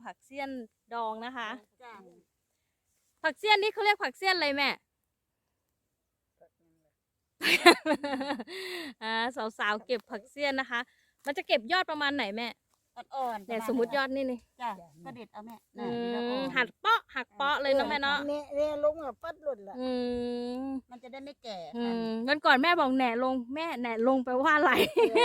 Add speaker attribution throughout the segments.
Speaker 1: ผักเสี้ยนดองนะคะ
Speaker 2: จ้า
Speaker 1: ผักเสี้ยนนี่เขาเรียกผักเสี้ยนอะไรแม่ สาวๆเก็บผักเสี้ยนนะคะ มันจะเก็บยอดประมาณไหนแม่
Speaker 2: อ่อนๆ
Speaker 1: เนี่ยสมมติยอดนี่นี่
Speaker 2: จ้าก็เด็ดเอาแม่
Speaker 1: หักเปาะหักเปาะเลยเนาะแม่เนาะ
Speaker 3: เนี่ยลงอ่ะปัดหลุดละ
Speaker 2: มันจะได้ไม่แก่
Speaker 1: วันก่อนแม่บอกแหน่ลงแม่แหน่ลงไปว่าอะไร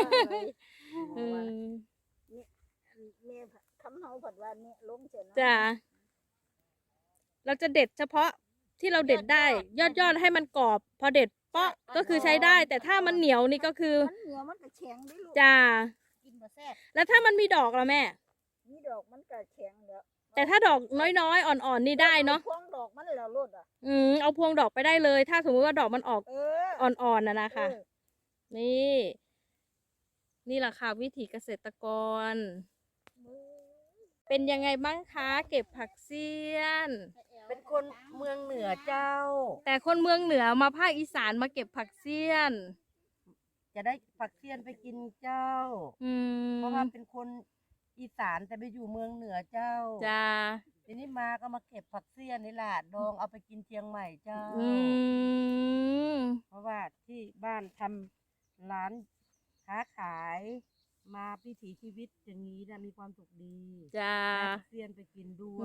Speaker 3: เนี่ยคำเฮาผัดว่าเนี่ยลงเสร็จ
Speaker 1: จ้ะเราจะเด็ดเฉพาะที่เราเด็ดได้ ยอดให้มันกรอบ พอเด็ดเปาะก็คือใช้ได้ แต่ถ้ามันเหนียวนี่ก็คือ
Speaker 3: มันเหนียวมันก็แข็งได้ลูก
Speaker 1: จ้า
Speaker 2: กินบ่แซ่บ
Speaker 1: แล้วถ้ามันมีดอกล่ะแม่
Speaker 3: นี่ดอกมันก็แข็งแล้ว
Speaker 1: แต่ถ้าดอกน้อยๆอ่อนๆนี่ได้เนาะ
Speaker 3: พวงดอกมันแล้วลดอ่ะ
Speaker 1: เอาพวงดอกไปได้เลย ถ้าสมมติว่าดอกมันออกอ่อนๆนะคะ นี่แหละค่ะวิถีเกษตรกร เป็นยังไงบ้างคะเก็บผักเสี้ยน
Speaker 2: เป็นคนเมืองเหนือเจ้า
Speaker 1: แต่คนเมืองเหนือมาภาคอีสานมาเก็บผักเสี้ยน
Speaker 2: จะได้ผักเสี้ยนไปกินเจ้า เพราะว่าเป็นคนอีสานแต่ไปอยู่เมืองเหนือเจ้า
Speaker 1: จ้า
Speaker 2: ทีนี้มาก็มาเก็บผักเสี้ยนนี่แหละดองเอาไปกินเชียงใหม่เจ้า เพราะว่าที่บ้านทำร้านค้าขายมาพิถีชีวิตอย่างนี้นะมีความสุขดี
Speaker 1: จ้า
Speaker 2: ได้ผักเสี้ยนไปกินด้วย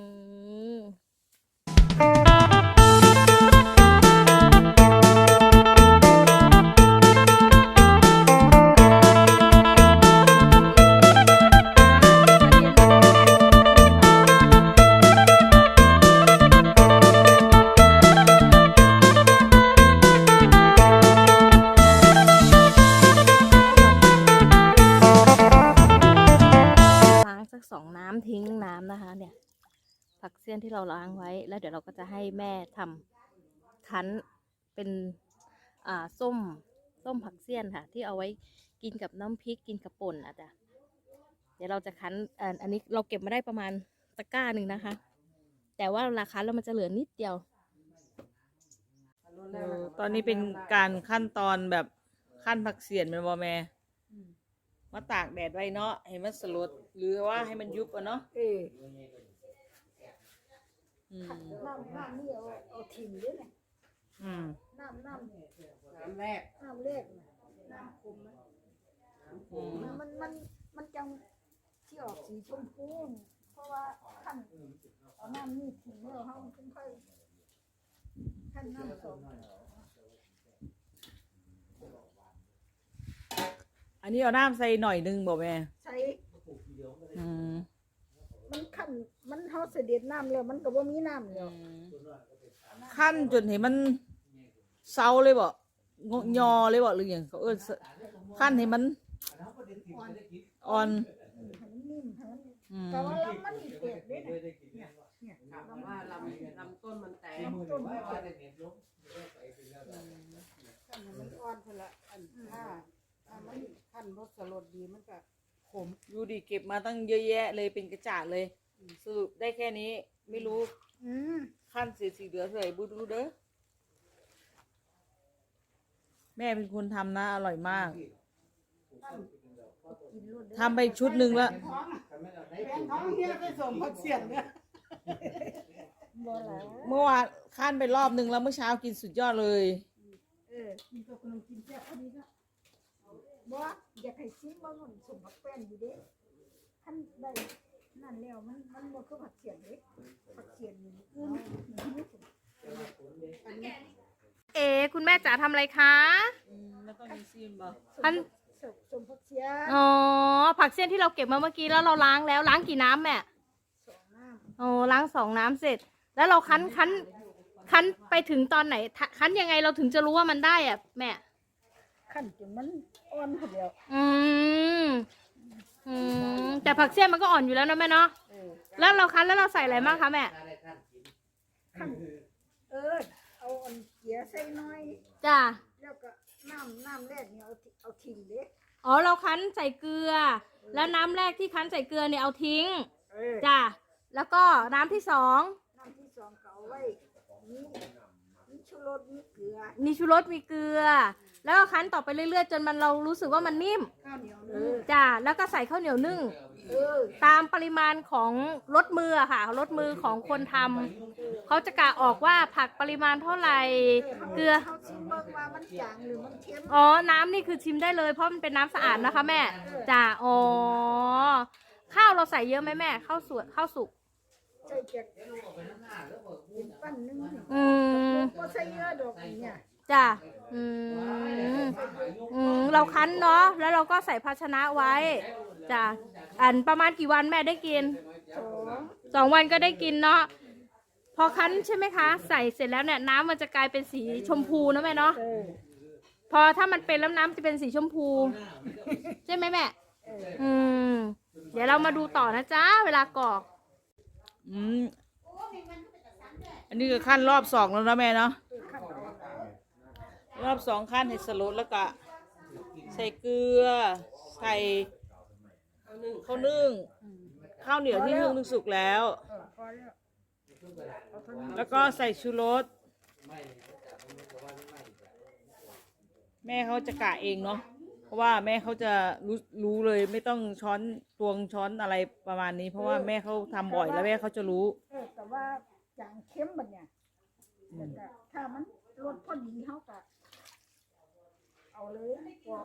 Speaker 1: ล้างสัก2 น้ำทิ้งน้ำนะคะ เนี่ย ผักเสี้ยนที่เราล้างไว้ แล้วเดี๋ยวเราก็จะให้แม่ทำคั้นเป็นส้มผักเสี้ยนค่ะ ที่เอาไว้กินกับน้ำพริกกินกับป่นอ่ะจ้ะเดี๋ยวเราจะคั้นอันนี้เราเก็บมาได้ประมาณตะกร้าหนึ่งนะคะ แต่ว่าราคาแล้วมันจะเหลือนิดเดียว
Speaker 4: ตอนนี้เป็นการขั้นตอนแบบขั้นผักเสียนเป็นบอแม่มาตากแดดไว้เนาะให้มันสลดหรือว่าให้มันยุบอ่ะเนาะ
Speaker 3: น้ำนี่เอาถิ่นด้วยนะน้ำแรกน้ำคมนะมันจังที่ออกสีชมพูเพราะว่าขั้นเอาน้ำนี่ถิ่นแล้วเขาค่อยขั้นน้ำสอง
Speaker 4: อันนี้เอาน้ำใส่หน่อยนึงบอกแม่
Speaker 3: ใช้
Speaker 4: มัน
Speaker 3: ขั้นมันเขาเสด็จน้ำแล้วมันก็บ่มีน้ำแล้ว
Speaker 4: ขั้นจนเห็นมันเซาเลยบ่ยอเลยบ่หรืออย่างเขาขั้นให้มันอ่อน
Speaker 3: ให้มันนิ่มให้มันแต่ว่าลำมันอีเปียกด้วยนะเนี่ยว่าลำต้นมันแตกลำต้นมันแตกมันอ่อนคนละอันถ้ามันขั้นรสสลดดีมันก็ขม
Speaker 4: ดูดิเก็บมาตั้งเยอะแยะเลยเป็นกระจาดเลยสรุปได้แค่นี้ไม่รู้ขั้นสีเหลือเท่าไหร่บูดูเด้อแม่เป็นคนทำนะอร่อยมากทำไปชุดหนึ่งแล้ว
Speaker 3: ท้องเฮียไปส่งพักเสียงเนี่ย
Speaker 4: เมื่อวานขั้นไปรอบนึงแล้วเมื่อเช้ากินสุดยอดเลย
Speaker 3: กินกับขนมกินแซ่บพอดีก็บ่อยากให้ชิมว่ามันส่งผักแป้นอยู่เด้ท่านได้นั่นแล้วมันบ่คือผักเสียงเด้ผักเสียงนี่
Speaker 1: คุณแม่จ๋าทำอะไรคะ
Speaker 4: แล้วต้องมีซีนบ่
Speaker 3: ส่งผักเสียง
Speaker 1: อ๋อผักเสี้ยนที่เราเก็บมาเมื่อกี้แล้วเราล้างแล้วล้างกี่น้ำแม่
Speaker 3: 2 น้ำ
Speaker 1: โอ้ล้าง2 น้ำเสร็จ แล้วเราคั้นไปถึงตอนไหนคั้นยังไงเราถึงจะรู้ว่ามันได้อะแม่
Speaker 3: ขั้นจนมันอ่อนพอดียว
Speaker 1: แต่ผักเสี้ยนมันก็อ่อนอยู่แล้วนะแม่เนาะแล้วเราคั้นแล้วเราใส่อะไรบ้างคะแม่
Speaker 3: ขั้นเอาอันเกียใส่น้อย
Speaker 1: จ้า
Speaker 3: แล้วก็น้ำแรกเนี่ยเอาทิ้งเด้
Speaker 1: อ๋อเราคั้นใส่เกลือ แล้วน้ำแรกที่คั้นใส่เกลือเนี่ยเอาทิ้ง จ้าแล้วก็น้ำที่2
Speaker 3: น้ำที่2ก็เอาไว้มีชูรสมีเกลือ
Speaker 1: มีชูรสมีเกลือแล้วก็คั้นต่อไปเรื่อยๆจนเรารู้สึกว่ามันนิ่ม
Speaker 3: ข้าวเหนียวนึ่ง
Speaker 1: จ้ะแล้วก็ใส่ข้าวเหนียวนึ่งตามปริมาณของรสมืออะค่ะรสมือของคนทำเขาจะกะออกว่าผักปริมาณเท่าไหร่เกลือ
Speaker 3: เขาชิมเบิ่งว่ามันจางหรือมันเค็ม
Speaker 1: อ๋อน้ำนี่คือชิมได้เลยเพราะมันเป็นน้ำสะอาดนะคะแม่จ้ะอ๋อข้าวเราใส่เยอะไหมแม่ข้าวสุก
Speaker 3: ใส่เจ็ดเป็นปั้นนึงนี่
Speaker 1: อืม
Speaker 3: ก็ใส่เยอะดอกเนี่ย
Speaker 1: จ้ะเราคั้นเนาะแล้วเราก็ใส่ภาชนะไว้จ้ะอันประมาณกี่วันแม่ได้กิน 2 วันก็ได้กินเนาะพอคั้นใช่ไหมคะใส่เสร็จแล้วเนี่ยน้ำมันจะกลายเป็นสีชมพูนะแม่เนาะพอถ้ามันเป็นแล้วน้ำจะเป็นสีชมพูใช่ไหมแม่เดี๋ยวเรามาดูต่อนะจ๊ะเวลากรอก
Speaker 4: อันนี้ก็ขั้นรอบ2แล้วนะแม่เนาะรอบ2ขั้นให้สลดแล้วก็ใส่เกลือใส่ข้าวนึ่งข้าวเหนียวที่นึ่งสุกแล้ว
Speaker 3: พอแล้ว
Speaker 4: แล้วก็ใส่ชูรสแม่เขาจะกะเองเนาะเพราะว่าแม่เขาจะรู้เลยไม่ต้องช้อนตวงช้อนอะไรประมาณนี้ เพราะว่าแม่เขาทำบ่อยแล้วแม่เขาจะรู้
Speaker 3: แต่ว่าจางเค็มบัดเนี่ยแต่ก็ถ้ามันรสพอดีเขาก็เอาเลยกรอก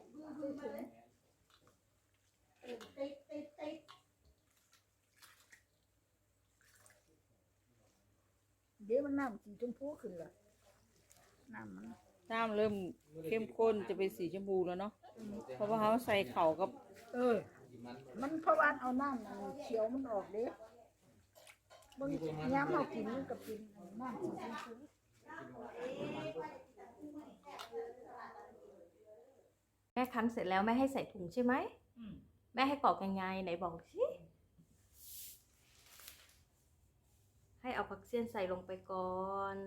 Speaker 3: เดี๋ยวมันน้ำสีชมพูขึ้นละน้ำมัน
Speaker 4: น้ำเริ่มเข้มข้นจะเป็นสีชมพูแล้วเนาะเพราะว่าเขาใส่เข่ากับ
Speaker 3: มันเพราะว่าเอาน้ำมันเขียวมันออกเด้บางย้ำเอากินมันกับกินน้ำสีชมพู
Speaker 1: แม่คั้นเสร็จแล้วแม่ให้ใส่ถุงใช่ไหมแม่ให้กรอกยังไงไหนบอกสิให้เอาผักเสี้ยนใส่ลงไปก่อน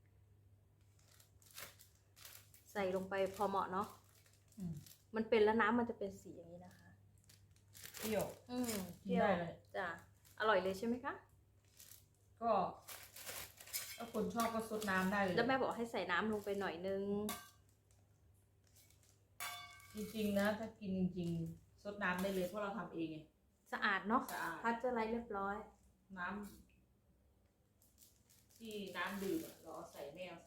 Speaker 1: ใส่ลงไปพอเหมาะเนาะมันเป็นแล้วน้ำมันจะเป็นสีอย่างนี้นะคะ
Speaker 4: เปรี้ยว
Speaker 1: เปรี้ยวจ้ะอร่อยเลยใช่ไหมคะ
Speaker 4: ก็ถ้าคนชอบก็ซดน้ำได้เลย
Speaker 1: แล้วแม่บอกให้ใส่น้ำลงไปหน่อยนึง
Speaker 4: จริงๆนะถ้ากินจริงๆซดน้ำได้เลยเพราะเราทำเองไง
Speaker 1: สะอาดเนาะ
Speaker 4: สะอาด
Speaker 1: พัชอะไรเรียบร้อย
Speaker 4: น้ำที่น้ำดื่มอะเราเอาใส่แม่เอาใส่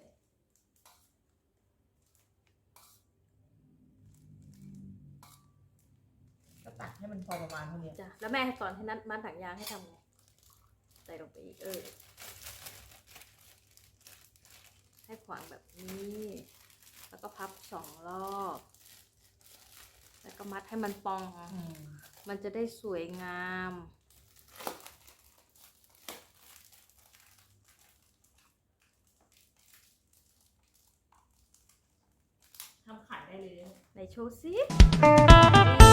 Speaker 4: ก็ตักให้มันพอประมาณเท่านี้
Speaker 1: จ้ะแล้วแม่ให้สอนให้นัดมัดถังยางให้ทำไงใส่ลงไปอีกให้ขวางแบบนี้แล้วก็พับ2 รอบแล้วก็มัดให้มันปองมันจะได้สวยงาม
Speaker 4: ทำขายได้เลย
Speaker 1: ไหนโชว์สิ